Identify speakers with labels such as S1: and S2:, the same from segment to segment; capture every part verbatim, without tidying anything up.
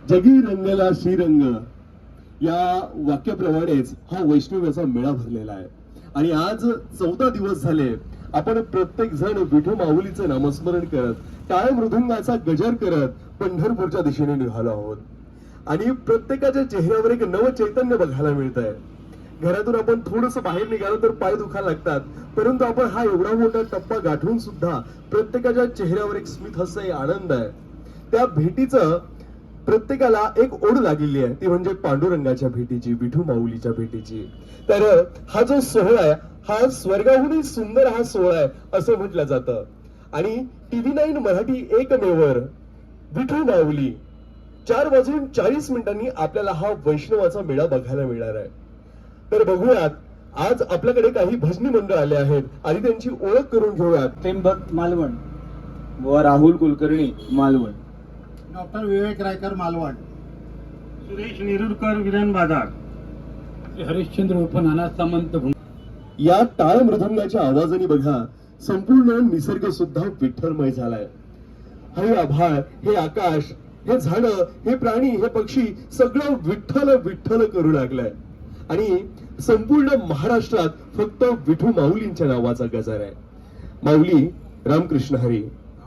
S1: जगी रंगला श्रीरंग या वाक्याप्रमाणेच हा वैष्णव्याचा मेळा भरलेला आहे. आणि आज चौदा दिवस झाले आपण प्रत्येक जण विठू माऊलीचं नामस्मरण करत टाळ मृदुंगाचा गजर करत पंढरपूरच्या दिशेने निघालो आहोत. आणि प्रत्येकाच्या चेहऱ्यावर एक नव चैतन्य बघायला मिळत आहे. घरातून आपण थोडस बाहेर निघालो तर पाय दुखायला लागतात, परंतु आपण हा एवढा मोठा टप्पा गाठून सुद्धा प्रत्येकाच्या चेहऱ्यावर एक स्मित हास्य आहे, आनंद आहे. त्या भेटीचं प्रत्येकाला एक ओढ लागलेली आहे, ती म्हणजे पांडुरंगाच्या भेटीची, विठू माऊलीच्या भेटीची. तर हा जो सोहळा आहे हा स्वर्गाहूनही सुंदर हा सोहळा आहे असं म्हटलं जातं. आणि टीव्ही नाईन मराठी एकमेवर विठू माऊली चार वाजून चाळीस मिनिटांनी आपल्याला हा वैष्णवाचा मेळा बघायला मिळणार आहे. तर बघूयात आज आपल्याकडे काही भजनी मंडळ आले आहेत आणि त्यांची ओळख करून घेऊयात.
S2: त्र्यंबक मालवण व राहुल कुलकर्णी मालवण,
S3: डॉक्टर विवेक रायकर मालवण,
S4: सुरेश नेरुरकर विधान बाजार,
S2: हरिश्चंद्र उर्फ नाना सामंत.
S1: या टाळ मृदंगाच्या आवाजाने बघा संपूर्ण निसर्ग सुद्धा विठ्ठलमय झालाय. हे आभाळ, हे आकाश, हे झाड, हे प्राणी, हे पक्षी सगळं विठ्ठल विठ्ठल करू लागलाय. आणि संपूर्ण महाराष्ट्रात फक्त विठू माऊलींच्या नावाचा गजर आहे. माऊली रामकृष्ण हरी.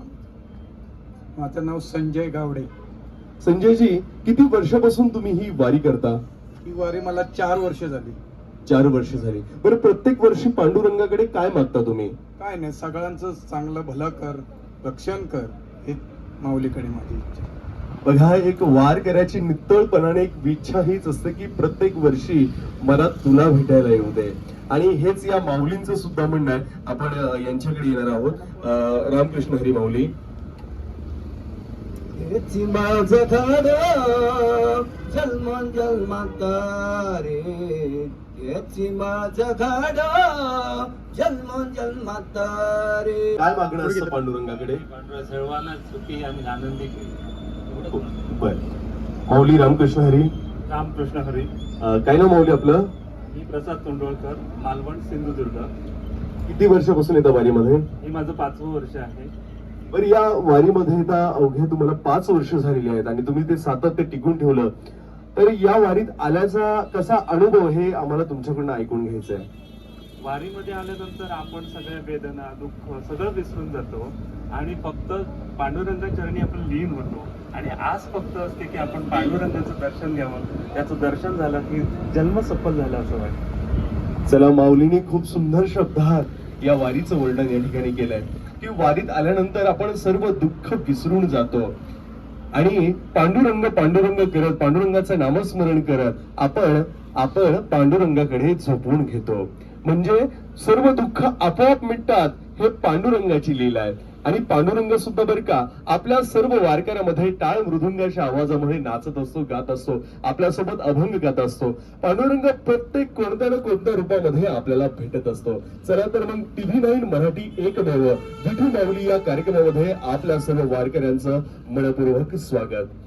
S3: माझं नाव संजय गावडे.
S1: संजयजी, किती वर्षापासून तुम्ही ही वारी करता?
S3: ही वारी मला चार वर्ष झाली.
S1: चार वर्ष झाली. बरं, प्रत्येक वर्षी पांडुरंगाकडे काय मागता तुम्ही?
S3: काय नाही, सगळ्यांचं चांगलं भलं कर, रक्षण कर, हे माऊलीकडे माझी इच्छा.
S1: बघा, एक वार करायची नित्तळपणाने एक इच्छा हीच असते की प्रत्येक वर्षी मला तुला भेटायला येऊ दे. आणि हेच या माऊलींचं सुद्धा म्हणणं आहे. आपण अ, यांच्याकडे येणार आहोत. अ, रामकृष्ण हरी माऊली.
S2: माझं झाड जन्म जन्मात रे, याची माझं झाड जन्म जन्मात रे.
S1: काय मागणं असतं पांडुरंगाकडे?
S4: सर्वांना सुखी आणि आनंदी केली.
S1: बर, माऊली रामकृष्ण हरी.
S4: रामकृष्ण हरी.
S1: अ, काय ना माऊली आपलं?
S4: मी प्रसाद तोंडवळकर, मालवण, सिंधुदुर्ग.
S1: किती वर्षापासून येतं वारीमध्ये?
S4: हे माझं पाचवं वर्ष आहे.
S1: बरं, या वारीमध्ये आता अवघ्या तुम्हाला पाच वर्ष झालेली आहेत आणि तुम्ही ते सातत्य टिकून ठेवलं. तर या वारीत आल्याचा कसा अनुभव हे आम्हाला तुमच्याकडून ऐकून घ्यायचं आहे.
S4: वारीमध्ये आल्यानंतर आपण सगळ्या वेदना, दुःख सगळं विसरून जातो आणि फक्त पांडुरंगाच्या चरणी आपण लीन होतो. आणि आज फक्त असते की आपण पांडुरंगाचं दर्शन घ्यावं. त्याचं दर्शन झालं की जन्म सफल झाला असं वाटतं.
S1: चला, माऊलीने खूप सुंदर शब्दात या वारीचं वर्णन या ठिकाणी केलंय की वारीत आल्यानंतर आपण सर्व दुःख विसरून जातो आणि पांडुरंग पांडुरंग करत, पांडुरंगाचं नामस्मरण करत आपण आपण पांडुरंगाकडे झोपून घेतो. म्हणजे सर्व दुःख आपोआप मिटतात. हे पांडुरंगाची लीला आहे. आणि पांडुरंग सुद्धा बरं का आपल्या सर्व वारकऱ्यामध्ये टाळ मृदुंगाच्या आवाजामध्ये नाचत असतो, गात असतो, आपल्यासोबत अभंग गात असतो. पांडुरंग प्रत्येक कोणत्या ना कोणत्या रूपामध्ये आपल्याला भेटत असतो. चला तर मग टीव्ही नाईन मराठी एकमेव विठू माऊली या कार्यक्रमामध्ये आपल्या सर्व वारकऱ्यांचं मनपूर्वक स्वागत.